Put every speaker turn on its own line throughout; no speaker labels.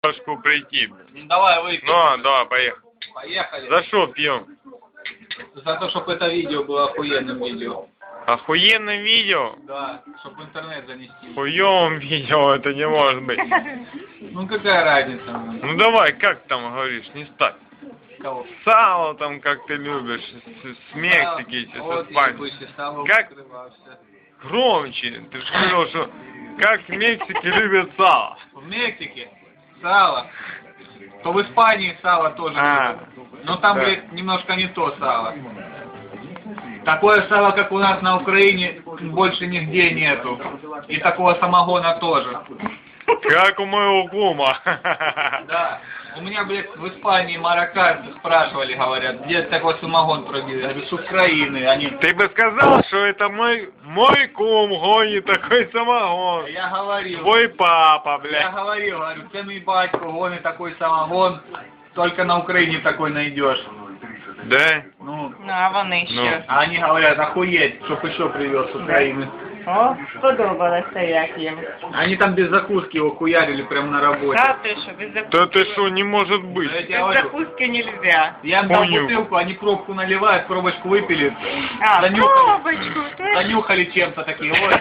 прийти.
Ну, давай выпьем.
Ну, давай, поехали.
Поехали.
За что пьем?
За то, чтобы это видео было охуенным видео.
Охуенное видео?
Да, чтобы в интернет занести.
Хуёвым видео это не может быть.
Ну какая разница?
Ну давай, как там говоришь, не ставь.
Кого?
Сало там, как ты любишь, с Мексики, с
Вот
Испании. Как? Громче, ты же говорил, что как в Мексике любят сало.
В Мексике сало. То в Испании сало тоже любят. Но там,
да.
блядь, немножко не то сало. Такое сало, как у нас на Украине, больше нигде нету. И такого самогона тоже.
Как у моего кума.
Да. У меня, блядь, в Испании марокканцы спрашивали, говорят, где такой самогон пробили? Я говорю, с Украины. Они...
Ты бы сказал, что это мой кум гонит такой самогон.
Я говорил.
Твой папа, блядь.
Я говорил, ты мой батько гонит такой самогон, только на Украине такой найдешь.
Да?
Ну,
А вони що?
а они говорят, охуеть, чтоб еще привез с Украины.
О, сподобалося як їм.
Они там без закуски его хуярили прямо на работе.
Та ти що, без закуски?
Да ты что, не может быть.
Я тебе
Без
говорю,
закуски нельзя.
я им дал
Понял.
бутылку, они пробку наливают, пробочку выпили,
А,
занюхали,
пробочку.
занюхали чем-то такие, ой.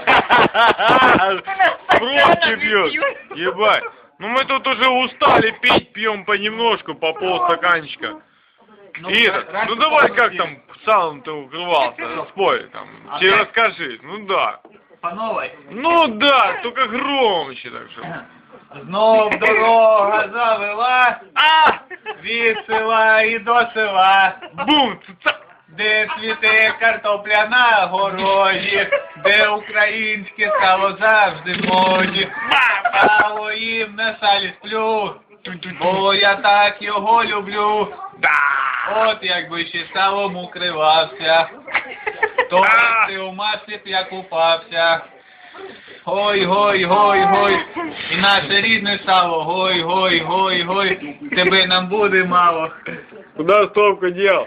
Пробки пьет. Ебать. Ну мы тут уже устали пить, пьем понемножку, по полстаканчика. Ира, ну давай как там салом ты укрывался, спой там, тебе расскажи, ну да.
По новой.
Ну да, только громче так что.
Знов дорога завела, від села і до села.
Бум! Цап!
Де цвіте картопля на городі, де українське сало завжди в моді. Сало їм на салі сплю, бо я так його люблю. От якби ще салом укривався, то ти у маслі б я купався. Гой, гой, гой, гой, і наше рідне сало, гой, гой, гой, гой, тебе нам буде мало.
Куда стопку дел?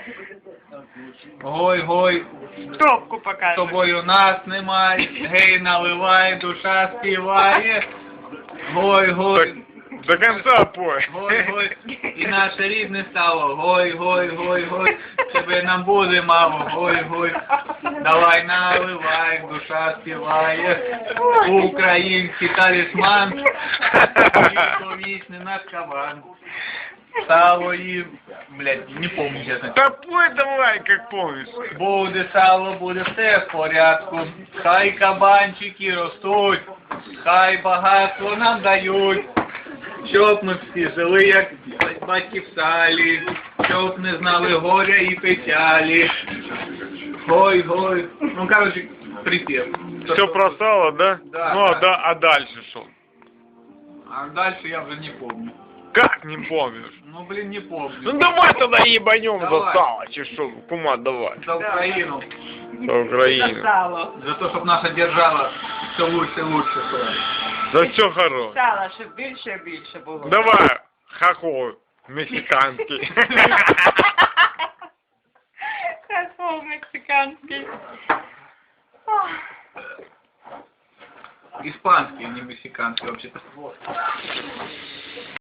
Гой, гой,
Топку
з
показує.
тобою нас немає, гей, наливай, душа співає. Гой, гой,
До конца пой.
гой, гой, і наше рідне сало, гой, гой, гой, гой, тебе нам буде мало, гой, гой, давай наливай, душа співає, український талісман, вічний наш кабан. Сало їм, блядь, не помню, чесно.
Да пой давай, как помнишь.
Буде сало, буде все в порядку, хай кабанчики ростуть, хай багатство нам дають, щоб ми всі жили, як батьки в салі, щоб не знали горя і печалі. Гой, гой, ну, короче, припев.
Все про сало, да?
Да,
Ну,
да.
а дальше что?
А дальше я уже не помню.
Как не помнишь?
Ну, блин, не помню.
Ну давай тогда ебанем за
Давай.
сало, че что, кума, давай.
За Украину.
За Украину.
Сало.
За то, чтобы наша держава все лучше и лучше была.
За все хорошее.
Сало, щоб більше і більше було.
Давай, хохол, мексиканский.
Хохол мексиканський.
Испанский, а не мексиканский вообще-то.